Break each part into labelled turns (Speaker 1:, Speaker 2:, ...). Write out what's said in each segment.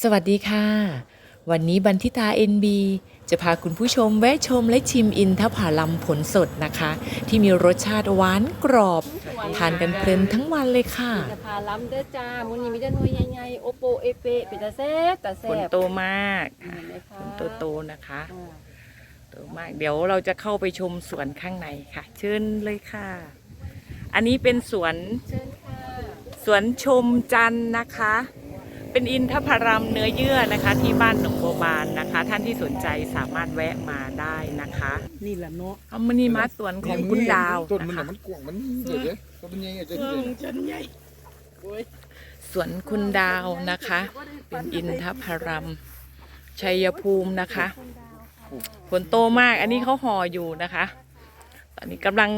Speaker 1: สวัสดีค่ะวันนี้บันทิตา NB จะพาคุณผู้ชมแวะชมและชิมอินทผลัมผลสดนะคะที่มีรสชาติหวานกรอบทานกันเพลินทั้งวันเลยค่ะ
Speaker 2: อินทผลัมเด้อจ้ามื้อนี้มีแต่หน่วยใหญ่ๆโอโปเอเปเป็นตาแซ่บตาแซ่
Speaker 1: ผล
Speaker 2: บ
Speaker 1: โตมาก
Speaker 2: เห็นไหมคะ
Speaker 1: ผลโตๆนะคะโตมากเดี๋ยวเราจะเข้าไปชมสวนข้างในค่ะ เชิญเลยค่ะ อันนี้เป็นสวน
Speaker 2: เชิญค่ะ
Speaker 1: สวนชมจันทร์นะคะ เป็นอินทผลัมเนื้อเยื่อนะคะ ที่บ้านหนองบัวบานนะคะ ท่านที่สนใจสามารถแวะมาได้นะคะ
Speaker 2: นี่แหละเนาะ
Speaker 1: เอามานี่มาสวนของคุณดาว
Speaker 3: ต้นมัน
Speaker 1: นะคะ
Speaker 3: มันกว้างมันเดี๋ยวต้นมันใหญ่จะ
Speaker 2: ฉันใหญ่โอ้ย
Speaker 1: สวนคุณดาวนะคะ เป็นอินทผลัมชัยภูมินะคะผลโตมากอันนี้เขาห่ออยู่นะคะ ตอนนี้กำลัง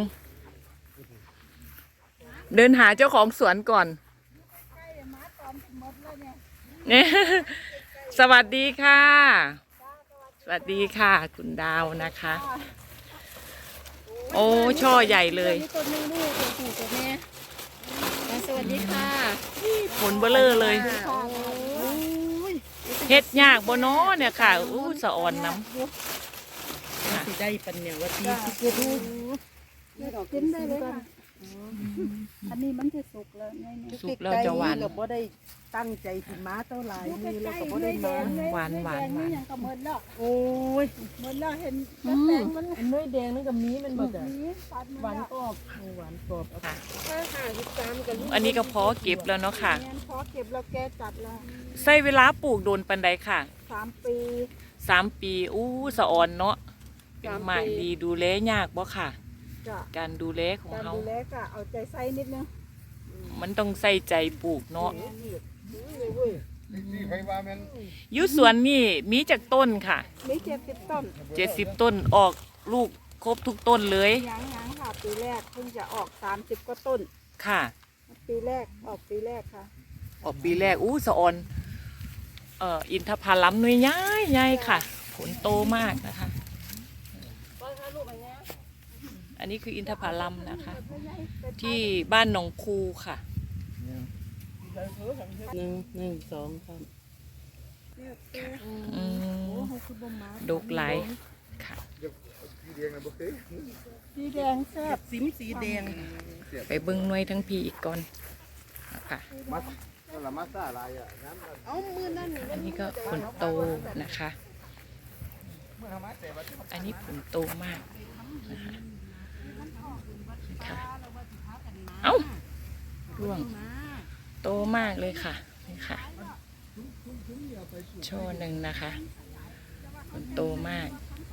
Speaker 1: เดินหาเจ้าของสวนก่อนเนี่ยสวัสดีค่ะ สวัสดีค่ะ คุณดาวนะคะ โอ้ช่อใหญ่เลย
Speaker 2: มีต้นนึงลูกตัวผู้ตัวแม่สวัสดีค่ะ
Speaker 1: ผลเบลอเลย
Speaker 2: โอ้ย
Speaker 1: เฮ็ดยากบ่เนาะเนี่ยค่ะอู้สะอ่อนน้
Speaker 2: สิได้ปันเนี่ยว่าตีสิเกิดลูกกินได้เลยค่ะอันนี้มันจะสุกแล้วไง
Speaker 1: ำสุกแล้วจะหวาน
Speaker 2: เราบ่ได้ตั้งใจสิมาเท่าไหร่นี่เราก็บ่ได้มา
Speaker 1: หวานหวานหวาน
Speaker 4: ยังก็หมดแล้ว
Speaker 2: โอ้ย
Speaker 4: หมดแล้วเห็น
Speaker 2: อั
Speaker 4: แตงมัน
Speaker 2: นน้อยแดงนั่นกับมีมันบ่จ้ะ
Speaker 4: นี้ปัด
Speaker 2: หวานกรอบหวานกรอบ
Speaker 1: ค่ะ
Speaker 4: ถ้าหาสิบสามกับลูก
Speaker 1: อันนี้ก็เพาะเก็บแล้วเนาะค่ะ
Speaker 4: แม่นพอเก็บแล้วแกจัดแล้ว
Speaker 1: ใช้เวลาปลูกโดนปันใดค่ะ
Speaker 4: 3 ปี
Speaker 1: 3 ปีอู้สะอ่อนเนาะเป็นหมากดีดูแลยากบ่ค่ะ
Speaker 4: จ้ะ
Speaker 1: การดูแลของ
Speaker 4: การ
Speaker 1: เขา
Speaker 4: ดูแลก็เอาใจใส่นิดนึง
Speaker 1: มันต้องใส่ใจปลูกเนาะ
Speaker 3: นี่ไฟว่ามัน
Speaker 1: อยู่สวนนี่มีจากต้นค่ะ
Speaker 4: มี70 ต้น
Speaker 1: 70 ต้นออกลูกครบทุกต้นเลย
Speaker 4: ยังค่ะปีแรกเพิ่งจะออก30กว่าต้น
Speaker 1: ค่ะ
Speaker 4: ปีแรกออกปีแรกค่ะ
Speaker 1: ออกปีแรกอู้สะอ่อนอินทผลัมหน่วยใหญ่ใหญ่ค่ะ ผลโตมากนะคะ อันนี้คืออินทผลัมนะคะ ที่บ้านหนองคูค่ะ
Speaker 2: หนึ่งสองสาม
Speaker 1: อืมดกหลายค่ะ
Speaker 3: สีแดงนะบ่เคย
Speaker 4: สีแดงแซ่บ
Speaker 2: สิมสีแดง
Speaker 1: ไปเบิ้งหน่วยทั้งพี่อีกก่อนนะคะ
Speaker 3: มานั่นละมาซ่าลายอ่ะน้ำ
Speaker 2: เอามือนั่น
Speaker 1: อันนี้ก็ผลโตนะคะ อันนี้ผลโตมากนะคะค่ะเอ้าร่วงโตมากเลยค่ะนี่ค่ะช่อหนึ่งนะคะผลโตมาก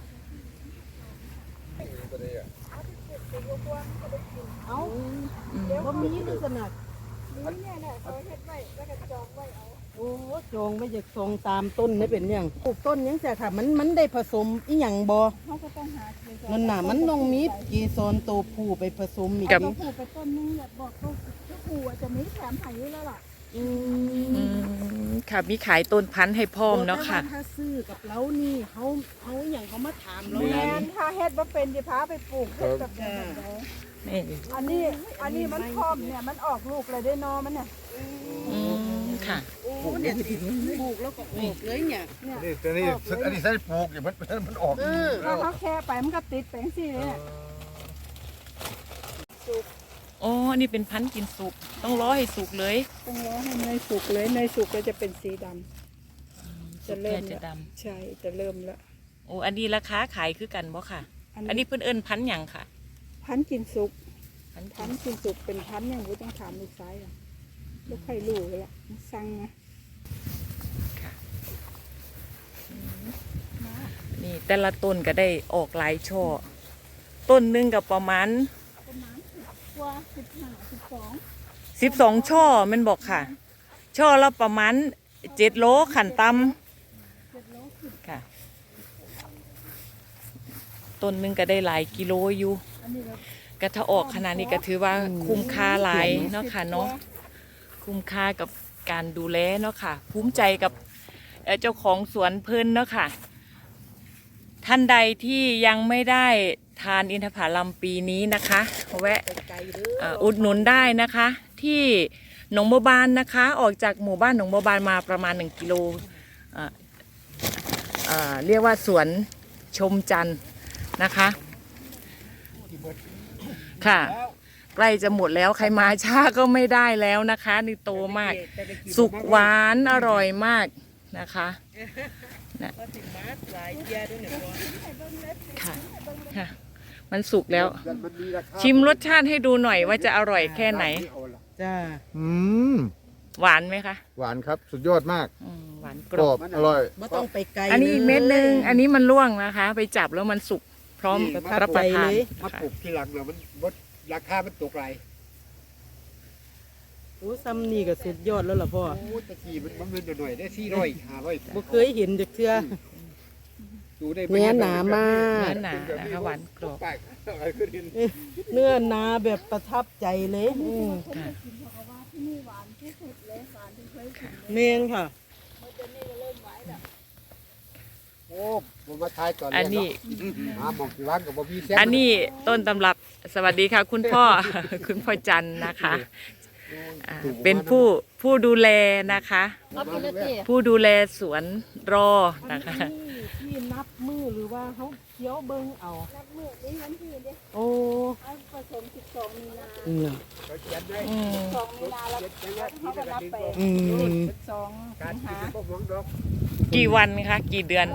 Speaker 4: เอา
Speaker 1: อืม
Speaker 2: บ่มีลักษณะ
Speaker 4: เนี่ยแหละเขาเฮ็ดไว้แล้วก็จองไว้เอา
Speaker 2: โอ้จองไม่จากทรงตามต้นนี่เป็นอย่างปลูกต้นยังแต่ค่ะมันได้ผสมอีหยังบ่
Speaker 4: เขาก็ต้องหาเกสร
Speaker 2: นั่นน่ะมันต้องมีเกสรตัวผู้ไปผสมอีก
Speaker 4: ตัวผู้ไปต้นนึงอยากบอกตัวผู้อาจจะมีแถมไผ่อยู่แล้วล่ะ
Speaker 2: อื
Speaker 1: อืมค่ะมีขายต้นพันธุ์ให้พร้อมเนาะค่ะ
Speaker 2: ถ้าซื้อกับเรานี่เขาอย่างเขามาถามเรา
Speaker 4: แม
Speaker 2: แล้ว
Speaker 4: นถ้าเฮ็ดบ่เป็นสิพาไปปลูกเฮ็ดแบบนี้
Speaker 1: นี่
Speaker 4: อันนี้มันพร้อมเนี่ยมันออกลูกเลยได้นอมันเนี่ย
Speaker 1: อืมค่ะ
Speaker 2: โอ้เนี่ยสิปลูกแล้วก็ออกเลยเนี่ย
Speaker 3: นี่แต่นี่อันนี้ใส่ปลูกเนี่ยมันออก
Speaker 4: ถ้าเขาแค่ไปมันก็ติดแปลงสิเลยเนี่ย
Speaker 1: อ๋ออันนี้เป็นพันธุ์กินสุกต้องรอให้สุกเลย
Speaker 4: ต้องรอให้เนยสุกเลยเนยสุกก็จะเป็นสีดำ
Speaker 1: สุกแค่จะด
Speaker 4: ใช่จะเริ่มแล้ว
Speaker 1: ำโอ้อันนี้ราคาขายคือกันบ่ค่ะ อันนี้เพิ่นเอิ้นพันธุ์หยังค่ะ
Speaker 4: พันธุ์กินสุก
Speaker 1: พันธุ์
Speaker 4: พันธุ์กินสุกเป็นพันธุ์อย่างรู้ต้องถามลูกซ้ายอ่ะลูกไข่ลูกเลยล่ะสั่งนะ
Speaker 1: ค่ะอืมนี่แต่ละต้นก็ได้ออกหลายช่อต้นหนึงก็ประมาณ
Speaker 4: ประมาณ10 กว่า15
Speaker 1: 12 ช่อแมันบอกค่ะ ช่อละประมาณ7 โลขันต่ำค่ะ ต้นหนึงก็ได้หลายกิโลอยู่
Speaker 4: อันนี้เรา
Speaker 1: ก็ถ้าออกขนาดนี้ก็ถือว่าคุ้มค่าหลายเนาะค่ะเนาะคุ้มค่ากับการดูแลเนาะค่ะ ภูมิใจกับเจ้าของสวนเพิ่นเนาะค่ะ ท่านใดที่ยังไม่ได้ทานอินทผลัมปีนี้นะคะแวะ
Speaker 2: ไกลเด้อ
Speaker 1: อุดหนุนได้นะคะ ที่หนองบัวบานนะคะ ออกจากหมู่บ้านหนองบัวบานมาประมาณ1 กิโลเรียกว่าสวนชมจันทร์นะคะค่ะใกล้จะหมดแล้วใครมาช้าก็ไม่ได้แล้วนะคะนี่โตมาก สุกหวานอร่อยมากนะคะค่ะค่ะมันสุกแล้ว ชิมรสชาติให้ดูหน่อยว่าจะอร่อยแค่ไหน
Speaker 2: จ้า
Speaker 1: หวานไหมคะ
Speaker 3: หวานครับสุดยอดมาก
Speaker 1: หวานก
Speaker 3: ก
Speaker 1: ร
Speaker 3: ร
Speaker 1: อ
Speaker 3: อ
Speaker 1: บบ
Speaker 3: อร่อย
Speaker 2: ไม่ต้องไปไกล
Speaker 1: อันนี้อีกเม็ดนึงอันนี้มันร่วงนะคะ ไปจับแล้วมันสุกพร้อมรับประทาน
Speaker 3: มาปลูกที่หลังเนี่ยมันบดราคามันตกไร
Speaker 2: โอ้ซ้ำนี่ก็สุดยอดแล้วล่ะพ่อ
Speaker 3: โอ้ตะกี้มันเป็นหน่อยได้400
Speaker 2: บ่เคยเห็นจากเทื่อ
Speaker 3: ดูได้
Speaker 2: เนื้อหนามาก
Speaker 1: เนื้อหนานะคะหวานกรอบ
Speaker 2: เนื้อหนาแบบประทับใจเลย
Speaker 1: ค่ะ
Speaker 4: ที่นี่หวานที่สุดเลยหวานที่เคยกิน
Speaker 2: เมนค่ะ
Speaker 4: มันจะนี่ก็เริ่มไว้แล้ว
Speaker 3: โอ้ผมมาทายก่อน
Speaker 1: อันนี้
Speaker 3: หาหมองที่ร้านกับบ่มีแซ่บ
Speaker 1: อันนี้ต้นตำรับสวัสดีค่ะ คุณพ่อ คุณพ่อจันทร์นะคะเป็นผู้ดูแลนะคะ ผู้ดูแลสวนรอนะคะ
Speaker 2: ที่นับมือหรือว่าเขาเคี้ยวเบิ้งเอา
Speaker 4: นับมือนี่วันที่เด้
Speaker 2: โอ้
Speaker 4: เอาผสม12 มีนา
Speaker 2: เนี่ย
Speaker 1: อืม
Speaker 4: 12 มีนาแล้วเขาก็นับไป
Speaker 2: อืม
Speaker 4: 12 สิงหา
Speaker 1: กี่วันคะกี่เดือน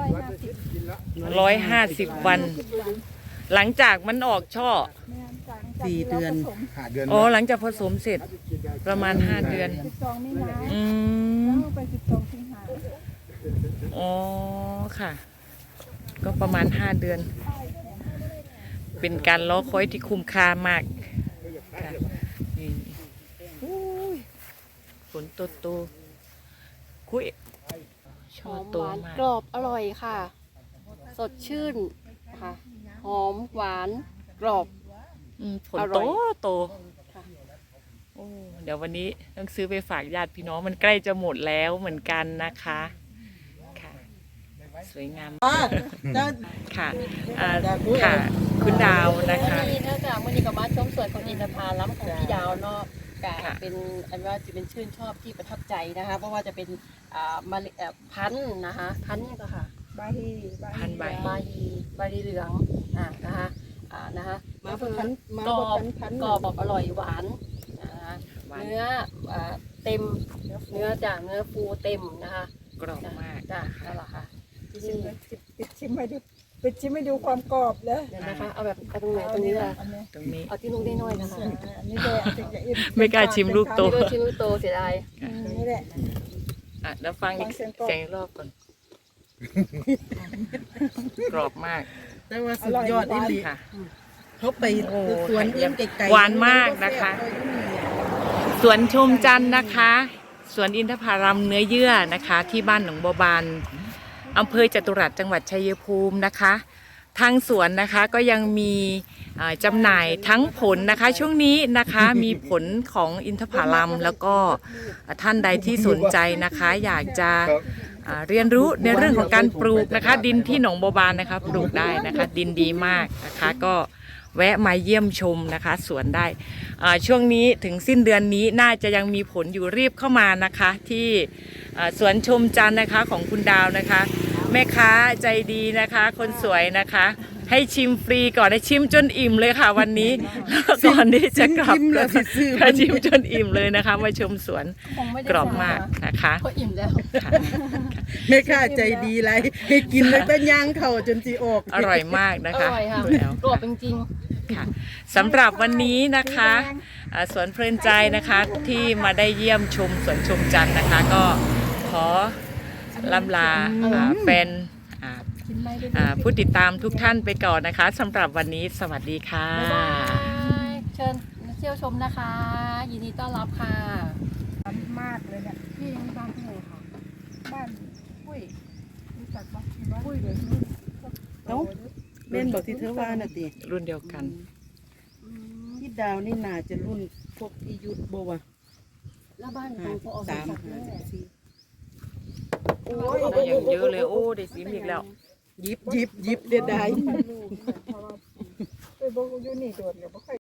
Speaker 4: 150
Speaker 1: 150 วัน หลังจากมันออกช่อ
Speaker 4: แม่นจัง
Speaker 2: 4 เดือน
Speaker 3: หาเดือน
Speaker 1: อ๋อหลังจากผสมเสร็จประมาณ 5 เดือน
Speaker 4: 12 มีนา
Speaker 1: อืม
Speaker 4: แล้วไป12 สิงหา
Speaker 1: อ๋อค่ะ ก็ประมาณ 5 เดือน เป็นการรอคอยที่คุ้มค่ามากค่ะนี่อุ้ยฝนโตๆคุย
Speaker 5: ห
Speaker 1: ช่อ
Speaker 5: อม
Speaker 1: โต
Speaker 5: หวาน
Speaker 1: มาก
Speaker 5: กรอบอร่อยค่ะ สดชื่นค่ะ หอมหวานกรอบ
Speaker 1: ผล
Speaker 5: อร่
Speaker 1: โต
Speaker 5: อย
Speaker 1: โต
Speaker 5: ค่ะ
Speaker 1: โอ้เดี๋ยววันนี้ต้องซื้อไปฝากญาติพี่น้องมันใกล้จะหมดแล้วเหมือนกันนะคะค่ะสวยงาม
Speaker 2: จ้า
Speaker 1: ค่ะค่ะ คุณดาวนะคะ
Speaker 5: วันนี้เนื่องจากวันนี้ก็มาชมสวนของอินทผลัมของพี่ดาวเนาะกะ
Speaker 1: ค่ะ
Speaker 5: เป็นอันว่าจะเป็นชื่นชอบที่ประทับใจนะคะ เพราะว่าจะเป็นมะลิพันธุ์นะคะพันธุ์นี่ก็ค่ะ
Speaker 4: บาฮี
Speaker 1: พันใบ
Speaker 5: บาฮีเหลืองนะคะนะคะ
Speaker 2: มาบ่ทันมาก
Speaker 5: ร
Speaker 2: บ่
Speaker 5: อบ
Speaker 2: ทัน
Speaker 5: กรอบแบบอร่อยหวานนะคะ
Speaker 1: หวาน
Speaker 5: เนื้อเต็มเนื้อจากเนื้อฟูเต็มนะคะ
Speaker 1: กรอบมาก
Speaker 5: จ้ะนั่นแหละค่ะ
Speaker 4: ชิมเลยปิดชิมให้ดูปิดชิมให้ดูความกรอบเลย
Speaker 5: เดี๋ยวนะคะเอาแบบเอาตรงไหนตรงนี้ค่ะ
Speaker 4: อันนี้
Speaker 1: ตรงนี้
Speaker 5: เอาที่ลูกได้น้อยนะคะ
Speaker 4: อันนี้เลยอันนี้จะอิ่
Speaker 1: ไม่กล้าชิมลูกโต
Speaker 5: นี่ก็ชิ้นลูกโตเสียดาย
Speaker 4: นี่แหละ
Speaker 1: อ่ะแล้วฟังอีก
Speaker 4: ฟังเสียงกรอบ
Speaker 1: เสียงอีกรอบก่อน กรอบมาก
Speaker 2: แต่ว่าสุดยอดอีหลี
Speaker 1: ค่ะ
Speaker 2: เขาไป
Speaker 1: โอ้
Speaker 2: สวนอื่นไกลๆ
Speaker 1: หวานมากนะคะ สวนชมจันทร์นะคะ สวนอินทผลัมเนื้อเยื่อนะคะ ที่บ้านหนองบัวบานอำเภอจตุรัสจังหวัดชัยภูมินะคะ ทางสวนนะคะก็ยังมีจำหน่ายทั้งผลนะคะ ช่วงนี้นะคะมีผลของอินทผลัมแล้วก็ท่านใดที่สนใจนะคะ อยากจะเรียนรู้ในเรื่องของการปลูกนะคะ ดินที่หนองบัวบานนะคะปลูกได้นะคะ ดินดีมากนะคะ ก็แวะมาเยี่ยมชมนะคะสวนได้ช่วงนี้ถึงสิ้นเดือนนี้น่าจะยังมีผลอยู่รีบเข้ามานะคะ ที่สวนชมจันทร์นะคะของคุณดาวนะคะ แม่ค้าใจดีนะคะ คนสวยนะคะ ให้ชิมฟรีก่อนให้ชิมจนอิ่มเลยค่ะวันนี้แล้วก่อนที่จะกลับ
Speaker 2: ชิมแล้วสิซื้อ
Speaker 1: ค่ะชิมจนอิ่มเลยนะคะ มาชมสวน
Speaker 5: คงไม่ได้
Speaker 1: กรอบมากนะคะ
Speaker 5: ก็อิ่มแล้ว
Speaker 1: ค่ะ
Speaker 2: แม่ค้าใจดีไรให้กินแล้วก็ย่างเข่าจนสิออก
Speaker 1: อร่อยมากนะ
Speaker 5: อ
Speaker 1: คะ
Speaker 5: ร่อยค่ะ
Speaker 1: แล้ว
Speaker 5: กรอบจริง
Speaker 1: ค่ะสำหรับวันนี้นะคะสวนเพลินใจนะคะที่มาได้เยี่ยมชมสวนชมจันทร์นะคะ ก็ขอล่ำลาแฟนผู้ติดตามทุกท่านไปก่อนนะคะสำหรับวันนี้สวัสดีค่ะ
Speaker 5: ๆบ๊ายบายเชิญเที่ยวชมนะคะ ยินดีต้อนรับค่ะ
Speaker 4: มากเลยเนี่ย
Speaker 5: พี่ยังบ้านที่ไหนคะ
Speaker 4: บ้านปุ้ยรู้จักปะปุ้ยเดี๋ยวนี้
Speaker 2: เอ้าแม่นบอกที่เธอว่าน่ะติ
Speaker 1: รุ่นเดียวกัน
Speaker 2: พี่ดาวนี่น่าจะรุ่นพวกพี่ยุทธบ่วะ
Speaker 5: แล้วบ้านของพออสมศักดิ์ด้วย
Speaker 2: 3
Speaker 1: โอ้ยได้อย่างเยอะเลยโอ้ได้ซิมอีกแล้ว
Speaker 2: ยิบเด็ดได้
Speaker 4: ลูกเพราะว่าไปบอกอยู่นี่โดดเดี๋ยวบ่ค่อย